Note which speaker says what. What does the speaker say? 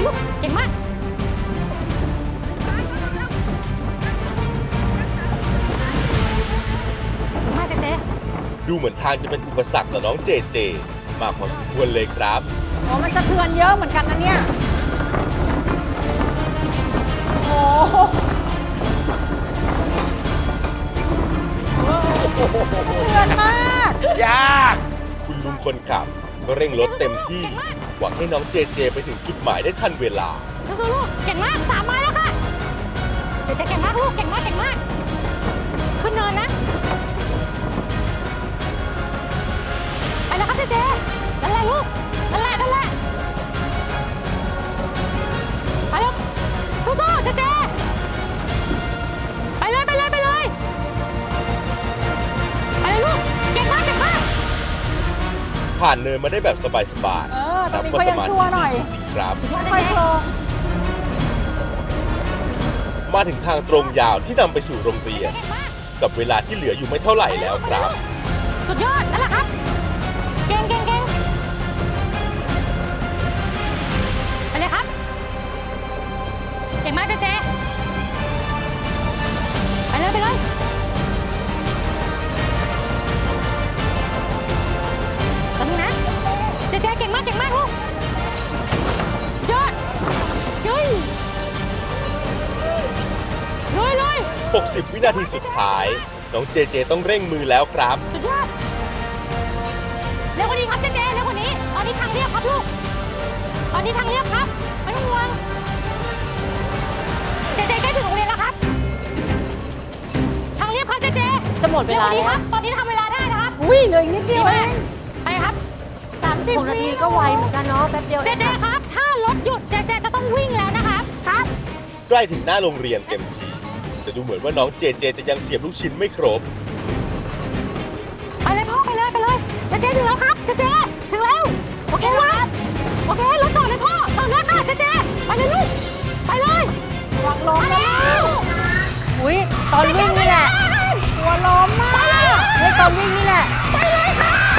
Speaker 1: ลูกเก่งมากมาเจเจ
Speaker 2: ดูเหมือนทางจะเป็นอุปสรรคต่อน้องเจเจมากพอสมควรเลยครับ
Speaker 3: โอ้มันสะเทือนเยอะเหมือนกันนะเนี่ยโอ้สะเทือนมาก
Speaker 2: ยากคุณลุงคนขับก็เร่งรถเต็มที่หวังให้น้องเจเจไปถึงจุดหมายได้ทันเวลา
Speaker 1: สู้ๆลูกเก่งมาก3 ไม้แล้วค่ะเจเจเก่งมากลูกเก่งมากขึ้นเนินนะไปแล้วครับเจเจนั่นแหละลูกนั่นแหละไปลูกสู้ๆเจเจไปเลยลูกเก่งมาก
Speaker 2: ผ่านเนินมาได้แบบสบาย
Speaker 3: ๆตอนนี้เขายังชั่วหน่อย
Speaker 2: จริงครับ
Speaker 3: ค่อยๆโครง
Speaker 2: มาถึงทางตรงยาวที่นำไปสู่โรงเรียน กับเวลาที่เหลืออยู่ไม่เท่าไหร่แล้วครับ
Speaker 1: สุดยอดนั่นแหละครับเก่งไปเลยครับเก่งมากเจเจไปเลยตอนนี้นะเจเจเก่งมากลูกยอดลุย
Speaker 2: 60 วินาทีสุดท้ายน้องเจเจต้องเร่งมือแล้วครับ
Speaker 1: สุดยอดเร็วกว่านี้ครับเจเจเร็วกว่านี้ตอนนี้ทางเรียบครับลูกตอนนี้ทางเรียบครับไม่ต้องห่วงเจเจใกล้ถึงโรงเรียนแล้วครับทางเรียบครับเจเจ
Speaker 3: จะหมดเวลาแล้ว
Speaker 1: ครับตอนนี้ทำเวลาได้นะครับ
Speaker 3: อุ้ยเหลืออีกนิดเดียวเอง
Speaker 1: ไปครับ
Speaker 3: 30 นาทีก็ไวเหมือนกันเนาะแป๊บเดียว
Speaker 1: เจเจครับถ้ารถหยุดเจเจจะต้องวิ่งแล้วนะครับครับ
Speaker 2: ใกล้ถึงหน้าโรงเรียนเต็มทีแต่ดูเหมือนว่าน้องเจเจจะยังเสียบลูกชิ้นไม่ครบ
Speaker 1: ไปเลยพ่อไปเลยเจเจถึงแล้วครับเจเจถึงแล้วโอเคครับโอเครถจอดเลยพ่อจอดเลยค่ะเจเจไปเลยลูกไปเลย
Speaker 3: วางล้มแล้วอุ้ยตอนวิ่งนี่แหละหัวล้มมากเฮ้ยตอนวิ่งนี่แหละ
Speaker 1: ไป